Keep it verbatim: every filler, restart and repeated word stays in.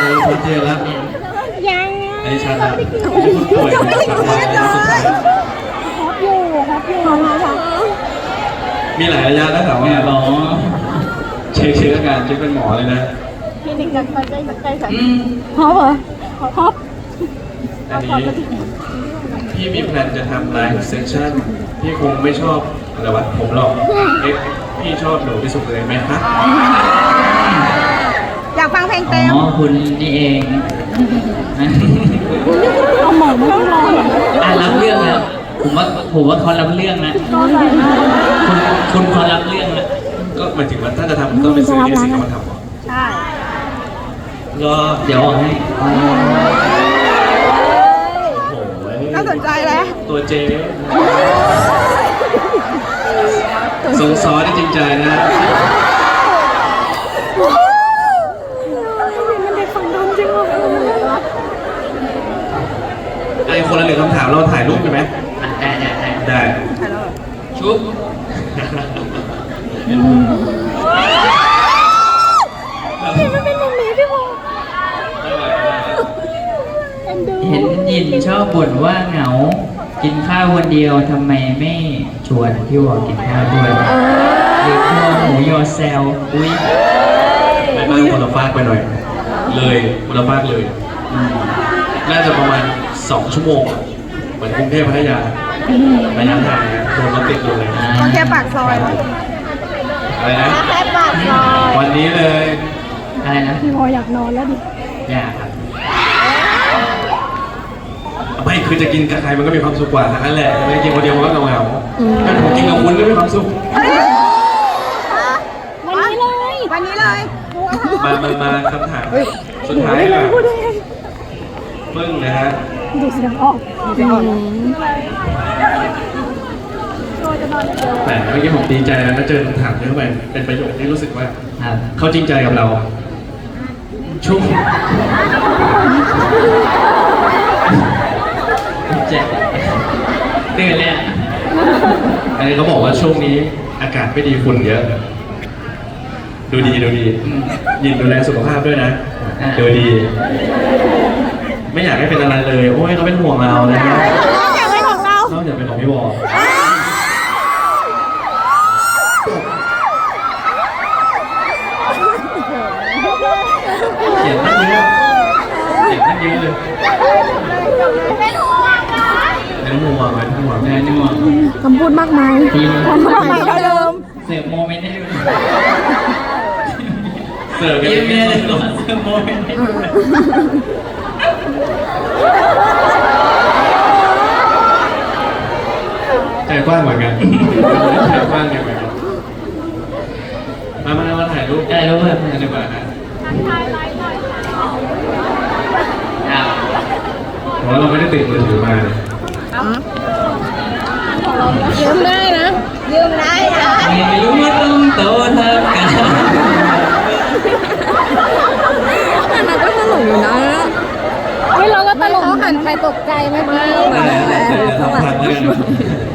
ชัดเจนแล้วยังไอ้ชัดแล้วไม่คนป่วยนะสุดท้ายฮอปอยู่ฮอปอยู่นะคะมีหลายระยะแล้วแต่ว่าหมอเช็คเช็คอาการเช็คเป็นหมอเลยนะคลินิกกันไปใกล้ใกล้กันอืมฮอปเหรอฮอปอันนี้พี่มีแพลนจะทำไลฟ์เซสชั่นพี่คงไม่ชอบอะไรวะผมหรอกเอ๊ะพี่ชอบหนูที่สุดเลยไหมคะอยากฟังเพลงเต็มอ๋อคุณนี่เองเอาหมอนไม่ต้องรออ่ะรับเรื่องแล้วผมว่าผมว่าเขารับเรื่องนะก็ใส่มาคุณคุณเขารับเรื่องนะก็หมายถึงว่าถ้าจะทำต้องเป็นซื้อที่สิงคโปร์ทำหรอใช่รอเดี๋ยวออกให้โอ้ยน่าสนใจแล้วตัวเจ๊สงซอที่จริงใจนะมันเด็กฝั่งดำจริงเหรอไอ้คนละหนึ่งคำถามเราถ่ายรูปกันไหมอ่ะได้ได้ได้ได้ชุบมันเป็นแบบนี้พี่โมเอ็นดูเห็นยินชอบบ่นว่าเหงา กินข้าวคนเดียวทำไมไม่ชวนพี่วอกินข้าวด้วยหรือพวกหมูยอแซลอุ้ยไปบ้านคนละฟากไปหน่อย เลยคนละฟากเลยอืมน่าจะประมาณสองชั่วโมงอะเหมือนกรุงเทพพัทยาระยะทางเนี่ยโดนรถติดอยู่เลยก็แค่ปากซอยอะไรนะแค่ปากซอยวันนี้เลยอะไรนะพี่โมอยากนอนแล้วดิอยากครับไม่คือจะกินกับใครมันก็มีความสุขกว่าทั้งนั้นแหละไม่ได้กินคนเดียวมันก็เหงาๆถ้าผมกินกับคุณก็มีความสุขวันนี้เลย วันนี้เลยมามามาคำถามสุดท้ายค่ะปึ้งนะฮะดูเสียงออกดูเสียงออกแต่เมื่อกี้ผมดีใจนะมาเจอคำถามเยอะไปเป็นประโยคที่รู้สึกว่าครับเขาจริงใจกับเราช่วงเจ็บตื่นเลยอ่ะอันนี้เขาบอกว่าช่วงนี้อากาศไม่ดีฝุ่นเยอะ ดูดีดูดียินดูแลสุขภาพด้วยนะดูดี ไม่อยากให้เป็นอะไรเลย โอ้ยเขาเป็นห่วงเรานะฮะอยากเป็นของเรานอกจากเป็นของพี่วอเขียนตั้งเยอะเขียนตั้งเยอะเลยเป็นห่วงนะเป็นห่วงเป็นห่วงแม่นี่หว่าคำพูดมากมายทีมคำพูดมากมายเท่าเดิมเสิร์ฟโมเมนต์ให้ดูเสิร์ฟกันยิ้มไม่แม่ได้เลยเสิร์ฟโมเมนต์ให้ดูใจกว้างเหมือนกันใจกว้างเหมือนกันมามามาถ่ายรูปได้รู้ไหมกันดีกว่านะครับเพราะเราไม่ได้ติดมือถือมาเลยยืมได้นะยืมได้นะไม่รู้ว่าต้องโตเท่ากันอันนั้นก็ตลกอยู่นะเฮ้ยเราก็ตลกเขาหันไปตกใจไหมพี่ไหนไหนไหนทำพังแล้วกัน